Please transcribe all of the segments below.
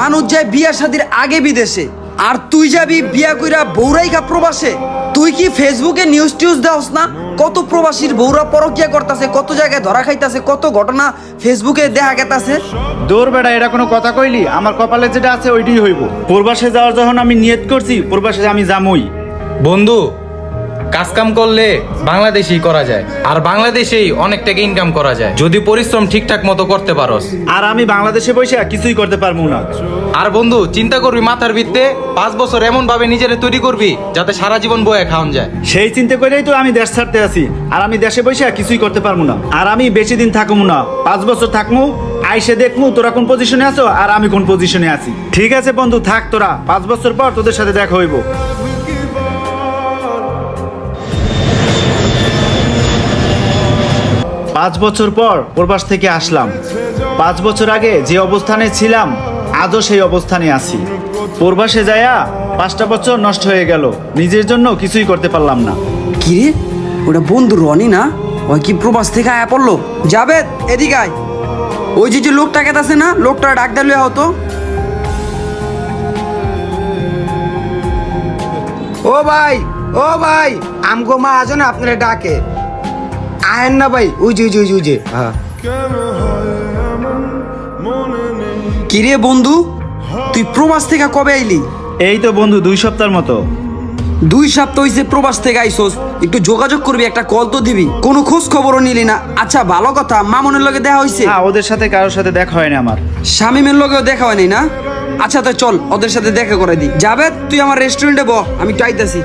মানুষ যায় বিয়া শাদির আগে বিদেশে, আর তুই যাবি বিয়া কইরা বৌরাইকা প্রবাসে। তুই কি ফেসবুকে নিউজ টিউজ দাওস না? কত প্রবাসীর বৌরা পরকিয়া করতেছে, কত জায়গায় ধরা খাইতেছে, কত ঘটনা ফেসবুকে দেখা গেতাছে। দৌড় বেড়া, এটা কোনো কথা কইলি? আমার কপালে যেটা আছে ওইটাই হইব। প্রবাসে যাওয়ার যখন আমি নিয়ত করছি, প্রবাসে আমি যামই। বন্ধু, কাজ কাম করলে বাংলাদেশেই করা যায়, আর বাংলাদেশেই অনেক টাকা ইনকাম করা যায় যদি পরিশ্রম ঠিকঠাক মতো করতে পারোস। আর আমি বাংলাদেশে বসে কিছুই করতে পারবো না। আর বন্ধু, চিন্তা করবি মাথার ভিত্তে 5 বছর এমন ভাবে নিজেরে তৈরি করবি যাতে সারা জীবন বয়ে খাওয়ান যায়। সেই চিন্তা করেই তো আমি দেশ ছাড়তে আছি। আর আমি দেশে বসে কিছুই করতে পারবো না। আর আমি বেশি দিন থাকবো না, 5 বছর থাকবো। আইসে দেখবো তোরা কোন পজিশনে আছো আর আমি কোন পজিশনে আছি। ঠিক আছে বন্ধু, থাক তোরা, 5 বছর পর তোদের সাথে দেখা হইব। 5 বছর পর প্রবাস থেকে আসলাম। 5 বছর আগে যে অবস্থানে ছিলাম আজও সেই অবস্থানে আছি। প্রবাসে যায়া 5টা বছর নষ্ট হয়ে গেল, নিজের জন্য কিছুই করতে পারলাম না। কি রে, ওটা বন্ধু রনি না? ওই কি প্রবাস থেকে আয়া পড়লো? জাবেদ, এদিকে আয়। ওই যে লোকটা কেতাছে না, লোকটা ডাক দিলে হতো। ও ভাই, ও ভাই, আমগো মা আজ না আপনারা ডাকে। আয়েন না ভাই, উজে হ্যাঁ। কি রে বন্ধু, তুই প্রবাস থেকে কবে আইলি? এই তো বন্ধু 2 সপ্তাহের মতো। 2 সপ্তাহ হইছে প্রবাস থেকে আইসোস, একটু যোগাযোগ করবি, একটা কল তো দিবি। কোনো খোঁজ খবরও নিলি না। আচ্ছা ভালো কথা, মামুনের লগে দেখা হইছে? হ্যাঁ, ওদের সাথে কারোর সাথে দেখা হয়নি আমার। শামিমের লগেও দেখা হয়নি না? আচ্ছা তো চল ওদের সাথে দেখা করে দি। যাবে তুই আমার রেস্টুরেন্টে বহ, আমি টাইতাছি।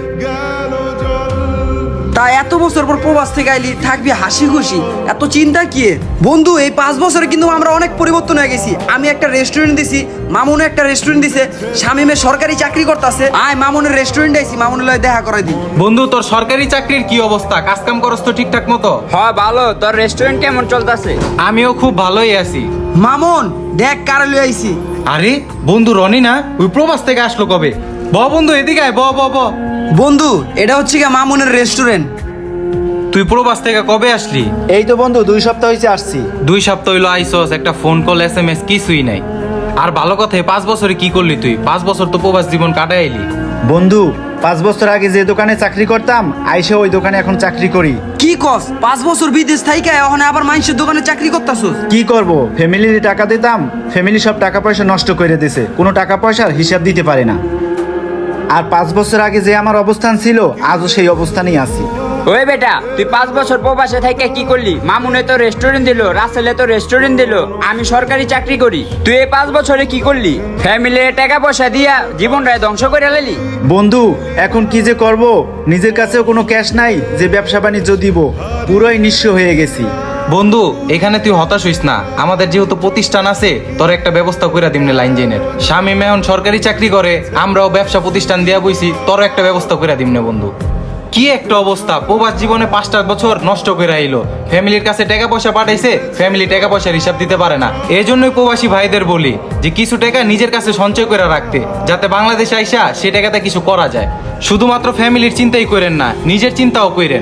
তা এত বছর পর প্রবাস থেকে আইলি, থাকবি হাসি খুশি, এত চিন্তা কি? বন্ধু, এই 5 বছরে কিন্তু আমরা অনেক পরিবর্তন হয়ে গেছি। আমি একটা রেস্টুরেন্ট দিছি, মামুনে একটা রেস্টুরেন্ট দিছে, শামিমে সরকারি চাকরি করতেছে। আয় মামুনের রেস্টুরেন্টে আইছি, মামুনের লগে দেখা করে দি। বন্ধু, তোর সরকারি চাকরির কি অবস্থা? কাজ কাম করস তো ঠিকঠাক মতো? হ্যাঁ ভালো। তোর রেস্টুরেন্ট কেমন চলতেছে? আমিও খুব ভালোই আছি। মামুন দেখ কারে লই আইছি। আরে বন্ধু, রনি না? ওই প্রবাস থেকে আসলো কবে? বন্ধু এদিকে আয়, ব। বন্ধু, এটা হচ্ছে কি মামুনের রেস্টুরেন্ট। তুই প্রবাস থেকে কবে আসলি? এই তো বন্ধু 2 সপ্তাহ হয়েছে আসছি। 2 সপ্তাহ হইলো আইসস, একটা ফোন কল SMS কিছুই নাই। আর ভালো কথা, 5 বছরে কি করলি তুই? 5 বছর তো প্রবাস জীবন কাটাই আইলি। বন্ধু, 5 বছর আগে যে দোকানে চাকরি করতাম, আইসে ওই দোকানে এখন চাকরি করি। কি কস? 5 বছর বিদেশ থাইকা এখন আবার মানুষের দোকানে চাকরি করতাছস? কি করব, ফ্যামিলির টাকা দিতাম, ফ্যামিলি সব টাকা পয়সা নষ্ট করে দিয়েছে, কোনো টাকা পয়সার হিসাব দিতে পারে না। আর 5 বছর আগে যে আমার অবস্থান ছিল, আজও সেই অবস্থানেই আছি। ওই বেটা, তুই 5 বছর প্রবাসে থেকে কি করলি? মামুনে তো রেস্টুরেন্ট দিল, রাসেলে তো রেস্টুরেন্ট দিল, আমি সরকারি চাকরি করি। তুই এই 5 বছরে কি করলি? ফ্যামিলির টাকা পয়সা দিয়া জীবনটায় ধ্বংস করে লালি। বন্ধু, এখন কি যে করব, নিজের কাছেও কোনো ক্যাশ নাই যে ব্যবসা বাণিজ্য দিব, পুরোই নিঃস্ব হয়ে গেছি। বন্ধু, এখানে তুই হতাশ হইস না, আমাদের যেহেতু প্রতিষ্ঠান আছে, তোর একটা ব্যবস্থা কইরা দিমনে লাইন জেনের। শামিম এখন সরকারি চাকরি করে, আমরাও ব্যবসা প্রতিষ্ঠান দিয়া বইছি, তোর একটা ব্যবস্থা কইরা দিমনে বন্ধু। কি একটা অবস্থা, প্রবাস জীবনে 5টা বছর নষ্ট করে আইলো। ফ্যামিলির কাছে টাকা পয়সা পাঠাইছে, ফ্যামিলি টাকা পয়সার হিসাব দিতে পারে না। এই জন্যই প্রবাসী ভাইদের বলি যে কিছু টাকা নিজের কাছে সঞ্চয় করে রাখতে, যাতে বাংলাদেশে আইসা সে টাকাতে কিছু করা যায়। শুধুমাত্র ফ্যামিলির চিন্তাই করেন না, নিজের চিন্তাও করেন।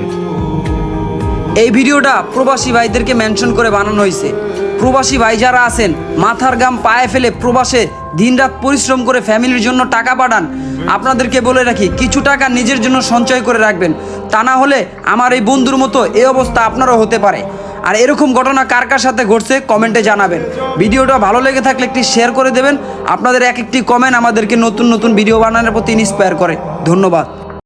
এই ভিডিওটা প্রবাসী ভাইদেরকে মেনশন করে বানানো হয়েছে। প্রবাসী ভাই যারা আছেন, মাথার ঘাম পায়ে ফেলে প্রবাসে দিনরাত পরিশ্রম করে ফ্যামিলির জন্য টাকা পাঠান, আপনাদেরকে বলে রাখি কিছু টাকা নিজের জন্য সঞ্চয় করে রাখবেন। তা না হলে আমার এই বন্ধুর মতো এই অবস্থা আপনারও হতে পারে। আর এরকম ঘটনা কার কার সাথে ঘটছে কমেন্টে জানাবেন। ভিডিওটা ভালো লেগে থাকলে একটি শেয়ার করে দেবেন। আপনাদের এক একটি কমেন্ট আমাদেরকে নতুন নতুন ভিডিও বানানোর প্রতি ইন্সপায়ার করে। ধন্যবাদ।